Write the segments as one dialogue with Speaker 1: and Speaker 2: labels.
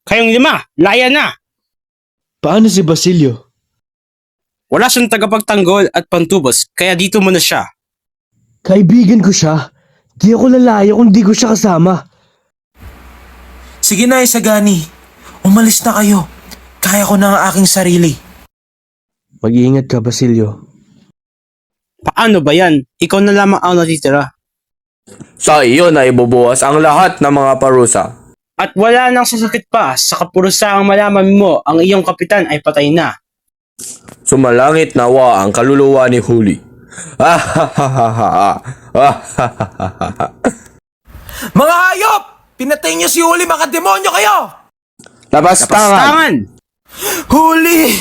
Speaker 1: Kayong lima, laya na!
Speaker 2: Paano si Basilio?
Speaker 1: Wala siyang tagapagtanggol at pantubos, kaya dito mo na siya.
Speaker 2: Kaibigan ko siya. Di ako lalaya kung di ko siya kasama.
Speaker 3: Sige na, Isagani. Umalis na kayo. Kaya ko na ang aking sarili.
Speaker 2: Mag-iingat ka, Basilio.
Speaker 1: Paano ba yan? Ikaw na lamang ang natitira.
Speaker 4: Sa iyo na ibubuhos ang lahat ng mga parusa.
Speaker 1: At wala nang sasakit pa sa kapurusahang malaman mo ang iyong kapitan ay patay na.
Speaker 4: Sumalangit nawa ang kaluluwa ni Huli.
Speaker 3: Mga hayop! Pinatay niyo si Huli, mga demonyo kayo!
Speaker 4: Lapastangan!
Speaker 1: Tangan!
Speaker 3: Huli!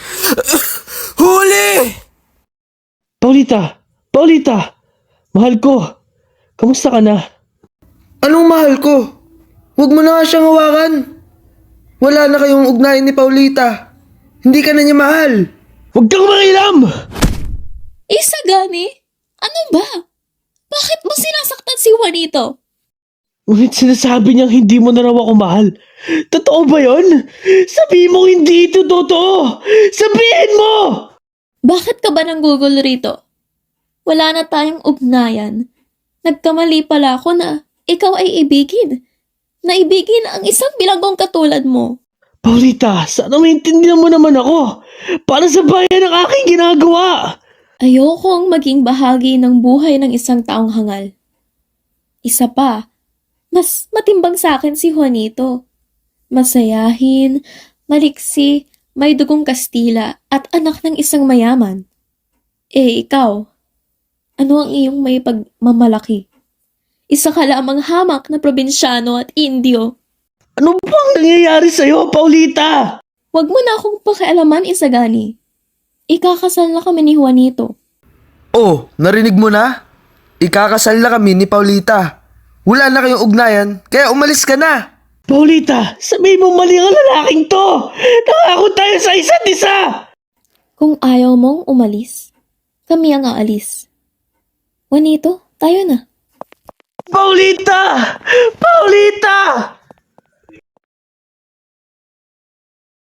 Speaker 3: Huli!
Speaker 2: Paulita! Paulita! Mahal ko! Kamusta ka na?
Speaker 5: Anong mahal ko? Huwag mo na nga siyang hawakan. Wala na kayong ugnayan ni Paulita. Hindi ka na niya mahal.
Speaker 2: Huwag kang makialam!
Speaker 6: Isagani? Ano ba? Bakit mo sinasaktan si Juanito?
Speaker 2: Ngunit sinasabi niyang hindi mo na raw ako mahal. Totoo ba yon? Sabihin mo hindi ito totoo! Sabihin mo!
Speaker 6: Bakit ka ba nanggugol rito? Wala na tayong ugnayan. Nagkamali pala ako na ikaw ay ibigin. Naibigin ang isang bilanggong katulad mo.
Speaker 2: Paulita, sana maintindihan mo naman ako. Para sa bayan ang aking ginagawa.
Speaker 6: Ayokong maging bahagi ng buhay ng isang taong hangal. Isa pa, mas matimbang sa akin si Juanito. Masayahin, maliksi, may dugong Kastila at anak ng isang mayaman. Eh, ikaw, ano ang iyong may pagmamalaki? Isa ka lamang hamak na probinsyano at Indio.
Speaker 2: Ano bang nangyayari sa'yo, Paulita?
Speaker 6: Huwag mo na akong pakialaman, Isagani. Ikakasal na kami ni Juanito.
Speaker 5: Oh, narinig mo na? Ikakasal na kami ni Paulita. Wala na kayong ugnayan, kaya umalis ka na.
Speaker 2: Paulita, sabihin mo mali ang lalaking to. Nangako tayo sa isa't isa.
Speaker 6: Kung ayaw mong umalis, kami ang aalis. Juanito, tayo na.
Speaker 2: Paulita! Paulita!